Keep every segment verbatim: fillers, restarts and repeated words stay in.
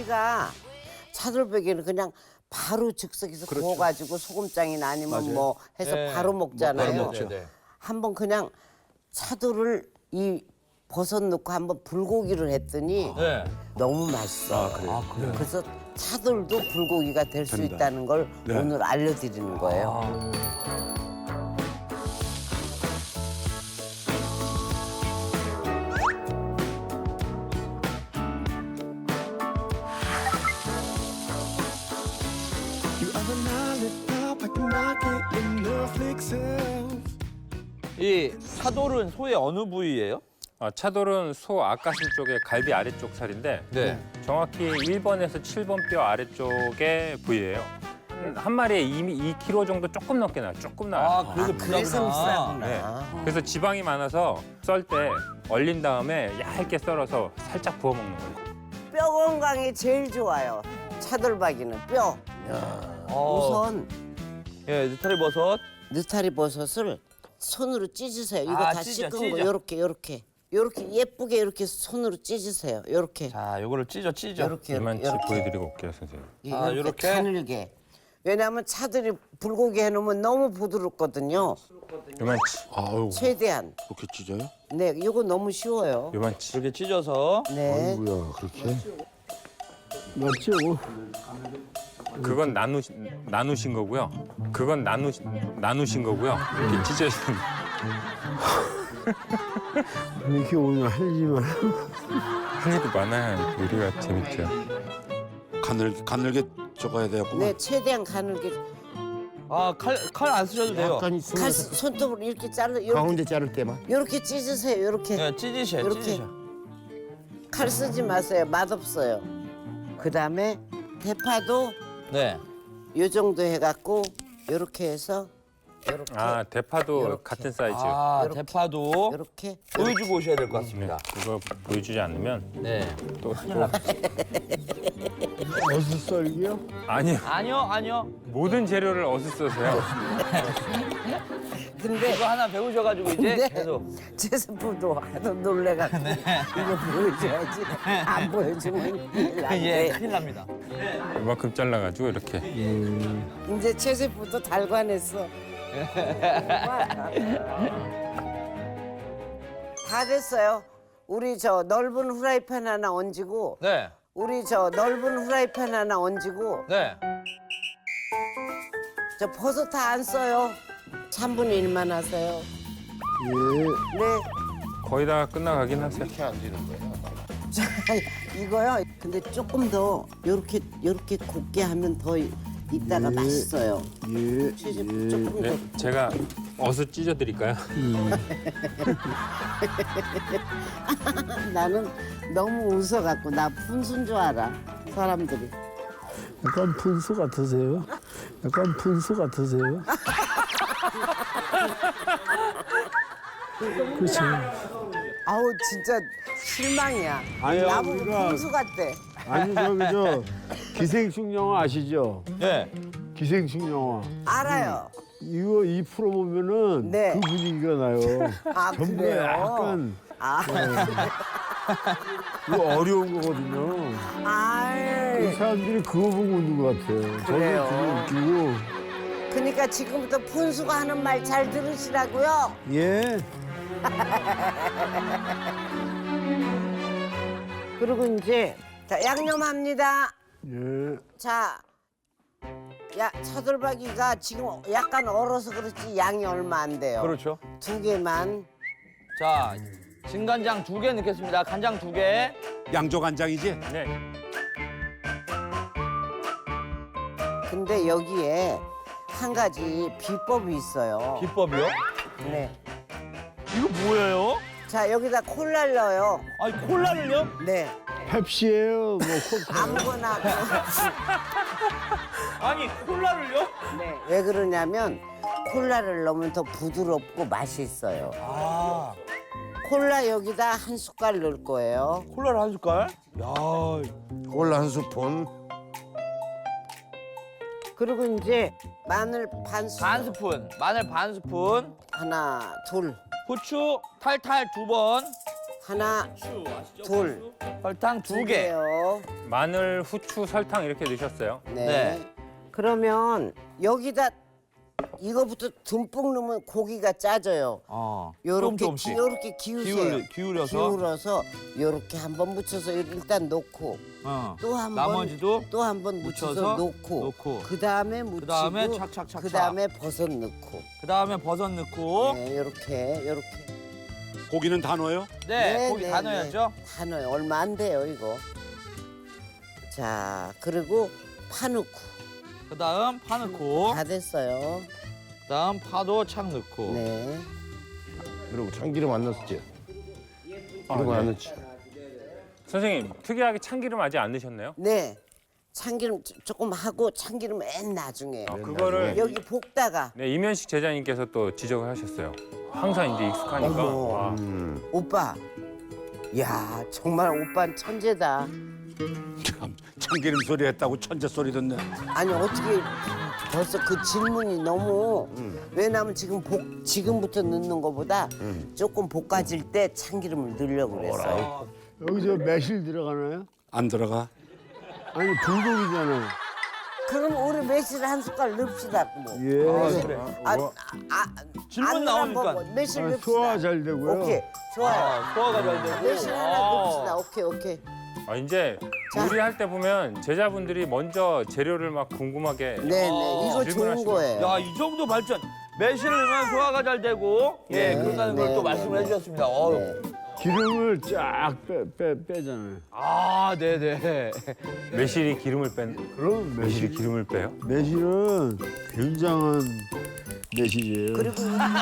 우리가 차돌박이는 그냥 바로 즉석에서 그렇죠. 구워가지고 소금장이나 아니면 맞아요. 뭐 해서 네. 바로 먹잖아요. 바로 먹죠. 네. 한번 그냥 차돌을 이 버섯 넣고 한번 불고기를 했더니 네. 너무 맛있어. 아, 그래요? 아, 그래요? 그래서 차돌도 불고기가 될 수 된다. 있다는 걸 네. 오늘 알려드리는 거예요. 아. You are the lollipop, I can knock it in the fix of. 이 차돌은 소의 어느 부위예요? 어, 차돌은 소 앞가슴 쪽에 갈비 아래쪽 살인데 네. 정확히 일 번에서 칠 번 뼈 아래쪽의 부위예요. 한, 한 마리에 이 킬로그램 정도 조금 넘게 나요. 조금 나요. 아, 그래서 그래서 비싸구나. 네. 그래서 지방이 많아서 썰 때 얼린 다음에 얇게 썰어서 살짝 구워 먹는 거예요. 뼈 건강에 제일 좋아요. 차돌박이는 뼈. 어. 우선 예, 느타리 버섯. 느타리 버섯을 손으로 찢으세요. 이거 아, 다 찢어, 씻은 거 찢어. 요렇게 요렇게 요렇게 예쁘게 이렇게 손으로 찢으세요. 요렇게 자, 요거를 찢어 찢어. 요렇게 이만치 요렇게 보여드리고 올게요, 선생님. 아, 이렇게 요렇게? 가늘게. 왜냐하면 차들이 불고기 해놓으면 너무 부드럽거든요. 이만치, 아유, 최대한. 그렇게 찢어요? 네, 이거 너무 쉬워요. 이만치. 이렇게 찢어서. 네. 뭐야, 그렇게? 맞죠? 그건 나누 나누신 거고요. 그건 나누 나누신 거고요. 이렇게 찢어진. 이렇게 오늘 할 일만 할 일이 많아야 요리가 재밌죠. 가늘게, 가늘게 적어야 되겠구만. 네, 최대한 가늘게. 아, 칼 칼 안 쓰셔도 돼요. 약간 칼 있으면 손톱으로 이렇게 자르 요렇게, 가운데 자를 때만. 요렇게 찢으세요. 요렇게. 네, 찢으셔, 요렇게. 찢으셔. 칼 쓰지 마세요. 맛없어요. 그다음에 대파도 네. 요 정도 해갖고 요렇게 해서 요렇게 아, 대파도 요렇게. 같은 사이즈. 아, 요렇게. 대파도 요렇게 보여주고 오셔야 될 것 네, 같습니다. 이거 보여주지 않으면 네. 또, 큰일 또 납니다. 어슷 썰기요? 아니요. 아니요, 아니요. 모든 재료를 어슷써서요. 근데 이거 하나 배우셔가지고 이제 네. 계속. 제스프도 하도 놀래갖고 이거 보여줘야지 안 보여주면 큰일 예, 나는데 큰일 납니다. 이만큼 잘라가지고 이렇게. 이제 제스프도 달관했어. 다 됐어요. 우리 저 넓은 후라이팬 하나 얹고 네. 우리 저 넓은 후라이팬 하나 얹고 네. 저 버섯 다 안 써요. 삼분의 일만 하세요. 예. 네. 거의 다 끝나가긴 하세요. 자, 이거요. 근데 조금 더 요렇게 요렇게 곱게 하면 더 이따가 예. 맛있어요. 예. 최저 조금 네, 더. 제가 어슷 찢어드릴까요? 나는 너무 웃어갖고 나 분순 줄 알아 사람들이. 약간 분수 같으세요? 약간 분수 같으세요? 그렇죠. 아우 진짜 실망이야. 아니, 나보고 우리가- 분수 같대. 아니 저기 저 기생충 영화 아시죠? 네. 기생충 영화. 알아요. 이거 이 프로 보면은 네. 그 분위기가 나요. 아 전부 그래요? 약간 아, 이거 어려운 거거든요. 그 아이. 사람들이 그거 보고 웃는 것 같아요. 그래요? 저는 그게 웃기고. 그러니까 지금부터 분수가 하는 말 잘 들으시라고요. 예. 그리고 이제 자 양념합니다. 예. 자, 야 차돌박이가 지금 약간 얼어서 그렇지 양이 얼마 안 돼요. 그렇죠. 두 개만. 자, 진간장 두 개 넣겠습니다. 간장 두 개. 양조간장이지? 네. 근데 여기에 한 가지 비법이 있어요. 비법이요? 네. 이거 뭐예요? 자 여기다 콜라를 넣어요. 아니, 콜라를요? 네. 펩시예요. 뭐 코카. 아무거나. 아니, 콜라를요? 네. 왜 그러냐면 콜라를 넣으면 더 부드럽고 맛있어요. 아, 콜라 여기다 한 숟갈 넣을 거예요. 콜라를 한 숟갈? 야, 콜라 한 스푼. 그리고 이제 마늘 반 스푼. 반 스푼, 마늘 반 스푼, 하나, 둘. 후추 탈탈 두 번, 하나, 둘, 설탕 두 두 개. 개요. 마늘, 후추, 설탕 이렇게 넣으셨어요. 네. 네. 그러면 여기다 이거부터 듬뿍 넣으면 고기가 짜져요. 어. 요렇게 조금씩. 기, 요렇게 기우세요. 기울여- 기울여서? 기울어서 요렇게 한번 묻혀서 일단 놓고 어. 또 한 번 나머지도 또 한 번 묻혀서 묻혀서 놓고, 놓고. 그다음에 묻히고 그다음에 착착착착. 그다음에 버섯 넣고 그다음에 버섯 넣고. 네, 요렇게 요렇게 고기는 다 넣어요? 네, 고기 다 넣어야죠. 다 넣어요. 얼마 안 돼요, 이거. 자, 그리고 파 넣고 그다음 파 넣고. 다 됐어요. 그다음 파도 착 넣고. 네. 그리고 참기름 안 넣었지? 아, 이런 거 안 네. 넣었지? 선생님, 특이하게 참기름 아직 안 넣으셨나요? 네. 참기름 조- 조금 하고 참기름 맨 나중에. 아, 그거를 여기 볶다가 네, 이면식 제자님께서 또 지적을 하셨어요. 항상 이제 익숙하니까. 어머. 와. 음. 오빠. 야, 정말 오빠는 천재다. 참 참기름 소리 했다고 천재 소리 듣네. 아니 어떻게 벌써 그 질문이 너무 왜냐면 지금 볶 지금부터 넣는 거보다 조금 볶아질 때 참기름을 넣으려고 그랬어요. 여기 저 매실 들어가나요? 안 들어가? 아니 불고기잖아요. 그럼 우리 매실 한 숟갈 넣읍시다. 뭐. 예. 그래. 아, 아, 아, 질문 안 나오니까. 넣어보고 매실 아, 넣읍시다. 소화 잘 되고요. 오케이, 좋아요. 아, 소화가 잘 되고. 매실 하나 아. 넣읍시다. 오케이, 오케이. 아, 이제 요리할 때 보면 제자분들이 먼저 재료를 막 궁금하게 네, 네, 이거 좋은 질문하시고. 거예요. 야, 이 정도 발전. 매실을 넣으면 소화가 잘 되고. 예, 네, 그런다는 걸 네, 또 네, 말씀을 네. 해주셨습니다. 어. 네. 기름을 쫙 빼, 빼, 빼잖아요. 아, 네네. 매실이 기름을 뺀. 그럼 매실이 매실, 기름을 빼요? 매실은 굉장한 매실이에요. 그리고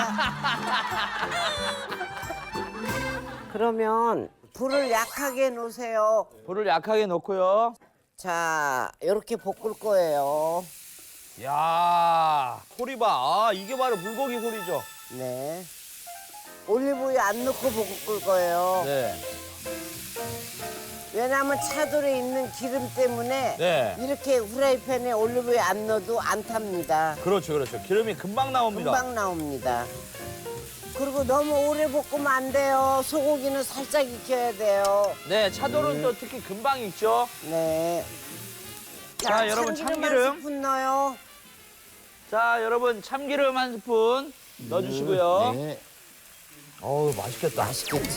그러면 불을 약하게 놓으세요. 불을 약하게 넣고요. 자, 이렇게 볶을 거예요. 야, 소리 봐. 아, 이게 바로 불고기 소리죠. 네. 올리브유 안 넣고 볶을 거예요. 네. 왜냐하면 차돌에 있는 기름 때문에 네. 이렇게 후라이팬에 올리브유 안 넣어도 안 탑니다. 그렇죠, 그렇죠. 기름이 금방 나옵니다. 금방 나옵니다. 그리고 너무 오래 볶으면 안 돼요. 소고기는 살짝 익혀야 돼요. 네, 차돌은 또 특히 금방 익죠. 네. 자, 여러분, 참기름. 한 스푼 넣어요. 자, 여러분 참기름 한 스푼 넣어주시고요. 네. 어우, 맛있겠다. 맛있겠지?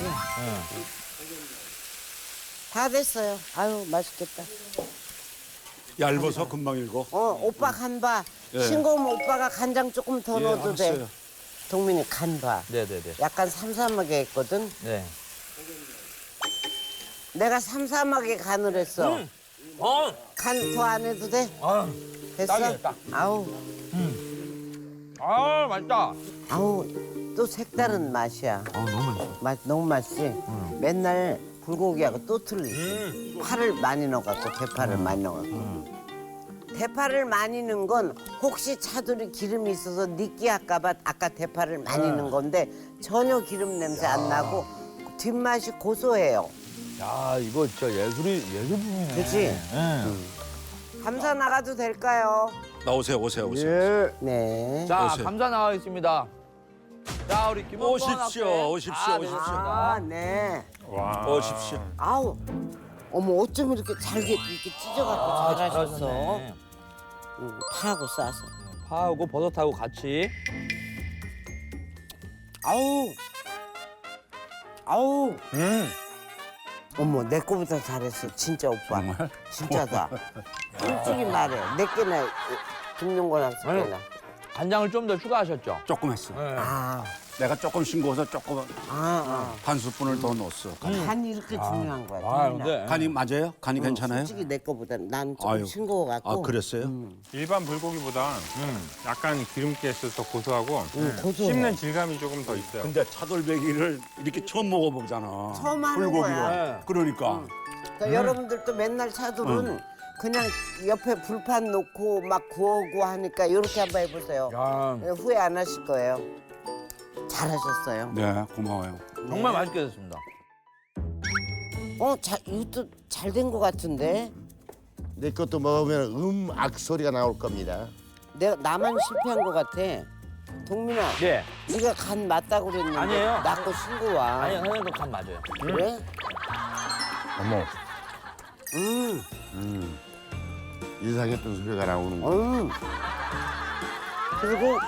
다 됐어요. 아유, 맛있겠다. 얇아서 금방 익어. 어, 오빠 간봐. 예. 싱거우면 오빠가 간장 조금 더 예, 넣어도 돼. 알았어요. 동민이 간봐. 네네네. 약간 삼삼하게 했거든. 네. 내가 삼삼하게 간을 했어. 음. 어, 간 더 안 해도 돼? 아, 됐어? 딱이네, 딱. 아우, 아, 맛있다. 아우, 또 색다른 맛이야. 아, 너무 맛있어. 맛 너무 맛있지? 맨날 불고기하고 또 틀리지. 음. 파를 많이 넣어갖고 대파를 많이 넣어갖고. 대파를 많이 넣은 건 혹시 차돌이 기름이 있어서 느끼할까봐 아까 대파를 많이 넣은 건데 전혀 기름 냄새 안 나고 뒷맛이 고소해요. 야, 이거 진짜 예술이 예술품이네. 그치? 네. 감사 나가도 될까요? 나오세요, 오세요, 오세요. 예. 네. 자, 오세요. 감사 나가겠습니다. 자, 우리 김원권 오십시오, 학생. 오십시오, 아, 오십시오. 아, 네. 와. 오십시오. 아우, 어머 어쩜 이렇게 잘게 이렇게 찢어갖고 아, 잘하셨어. 잘하셨네. 응, 파하고 싸서. 파하고 버섯하고 같이. 아우, 아우. 음. 어머 내 거보다 잘했어 진짜 오빠. 정말? 진짜다. 솔직히 말해 내 깨나 김용건 학생이나. 간장을 좀 더 추가하셨죠? 조금 했어. 네. 아, 내가 조금 싱거워서 조금 아, 반 스푼을 더 넣었어. 아. 간이 이렇게 중요한 거야. 아, 동민아. 근데 간이 맞아요? 간이 괜찮아요? 솔직히 내 거보다 난 좀 아유. 싱거워갖고. 아, 그랬어요? 일반 불고기보다 약간 기름기가 있어서 더 고소하고 응, 고소해. 씹는 질감이 조금 더 있어요. 근데 차돌배기를 이렇게 처음 먹어보잖아. 처음 하는 불고기를. 거야. 그러니까. 그러니까 여러분들도 맨날 차돌은 그냥 옆에 불판 놓고 막 구우고 하니까 이렇게 한번 해보세요. 야, 후회 안 하실 거예요. 잘하셨어요. 네, 고마워요. 정말 맛있게 됐습니다. 어, 자, 이것도 잘 된 것 같은데? 내 것도 먹으면 음악 소리가 나올 겁니다. 내가 나만 실패한 것 같아. 동민아, 예. 네가 간 맞다고 그랬는데 아니에요. 낳고 신고 와. 아니 선생님 간 맞아요. 그래? 어머, 음, 이상했던 소리가 나오는 거. 음. 그리고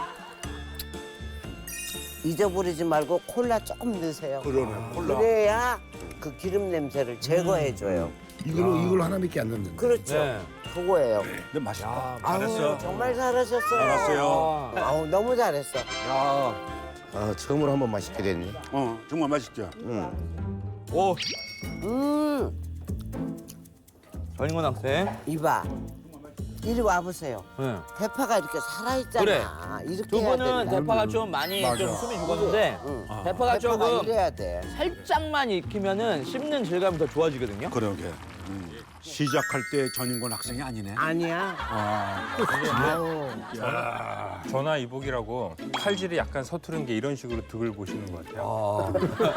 잊어버리지 말고 콜라 조금 넣으세요. 그러네 콜라. 그래야 그 기름 냄새를 제거해줘요. 이걸로 이걸로 하나밖에 안 넣는데. 그렇죠. 네. 그거예요. 근데 맛있다. 아우, 잘했어. 정말 잘하셨어요. 잘했어요. 아우, 너무 잘했어. 야. 아, 처음으로 한번 맛있게 됐네. 어 정말 맛있죠. 응. 오 음, 전인권 학생. 이봐. 이리 와보세요. 네. 대파가 이렇게 살아있잖아. 그래. 이렇게 두 해야 분은 된다. 대파가 좀 많이 좀 숨이 죽었는데 응. 대파가 대파가 조금 이래야 돼. 살짝만 익히면은 씹는 질감이 더 좋아지거든요. 그러게. 음. 시작할 때 전인권 학생이 아니네. 아니야. 아우. 전화 이복이라고 칼질이 약간 서투른 게 이런 식으로 득을 보시는 것 같아요.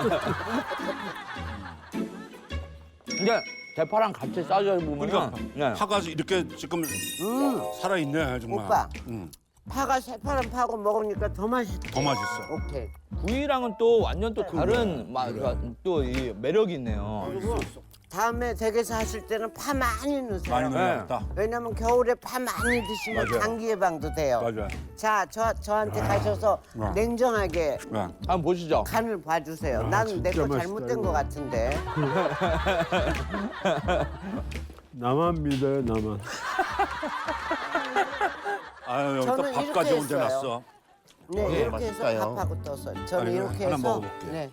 근데 대파랑 같이 싸져 보면은 그러니까 네. 파가 이렇게 지금 음, 살아있네 정말. 오빠. 음, 파가 새파란 파고 먹으니까 더 맛있어. 더 맛있어. 오케이. 구이랑은 또 완전 또 다른 또 이 매력이 있네요. 그리고 다음에 댁에서 하실 때는 파 많이 넣으세요. 많이 넣어야겠다. 왜냐면 겨울에 파 많이 드시면 맞아요. 감기 예방도 돼요. 맞아요. 자, 저 저한테 가셔서 아. 냉정하게 네. 한번 보시죠. 간을 봐주세요. 나는 내 진짜 거 맛있다, 잘못된 이거. 거 같은데. 나만 믿어요, 나만. 아유 저는 여기다 밥까지 이렇게 얹어놨어. 했어요. 네, 어, 이렇게 해서 맛있어요. 밥하고 떠서 저는 아니, 이렇게 하나 해서 먹어볼게. 네.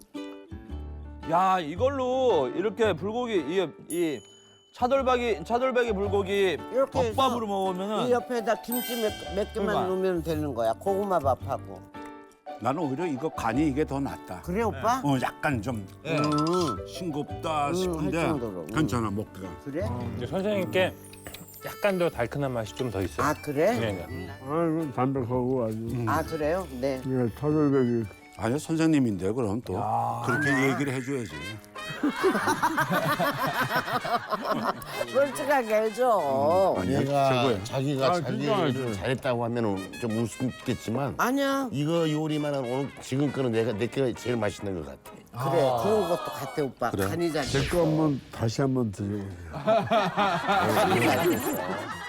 야 이걸로 이렇게 불고기 이, 이 차돌박이 차돌박이 불고기 이렇게 해서 덮밥으로 이 먹으면은 옆에다 김치 몇, 몇 개만 그러니까. 넣으면 되는 거야. 고구마 밥하고. 나는 오히려 이거 간이 이게 더 낫다. 그래 오빠? 어 약간 좀 네. 음, 싱겁다 음, 싶은데 할 정도로. 음. 괜찮아 먹기가. 그래? 근데 선생님께 약간 더 달큰한 맛이 좀 더 있어요. 아 그래? 네네. 아이고, 담백하고 아주. 아 그래요? 네. 이게 차돌백이. 아니 선생님인데 그럼 또 그렇게 얘기를 해줘야지. 솔직하게 해줘. 아니야 얘가 최고야. 자기가 아, 자기 진짜 일을 맛있어. 잘했다고 하면은 좀 웃음겠지만 아니야. 이거 요리만은 오늘 지금 거는 내가 내가 제일 맛있는 것 같아. 그래 그런 것도 같아 오빠. 그래? 간이 잘. 제 거 한번 다시 한번 드셔보세요. 간이 잘 됐어.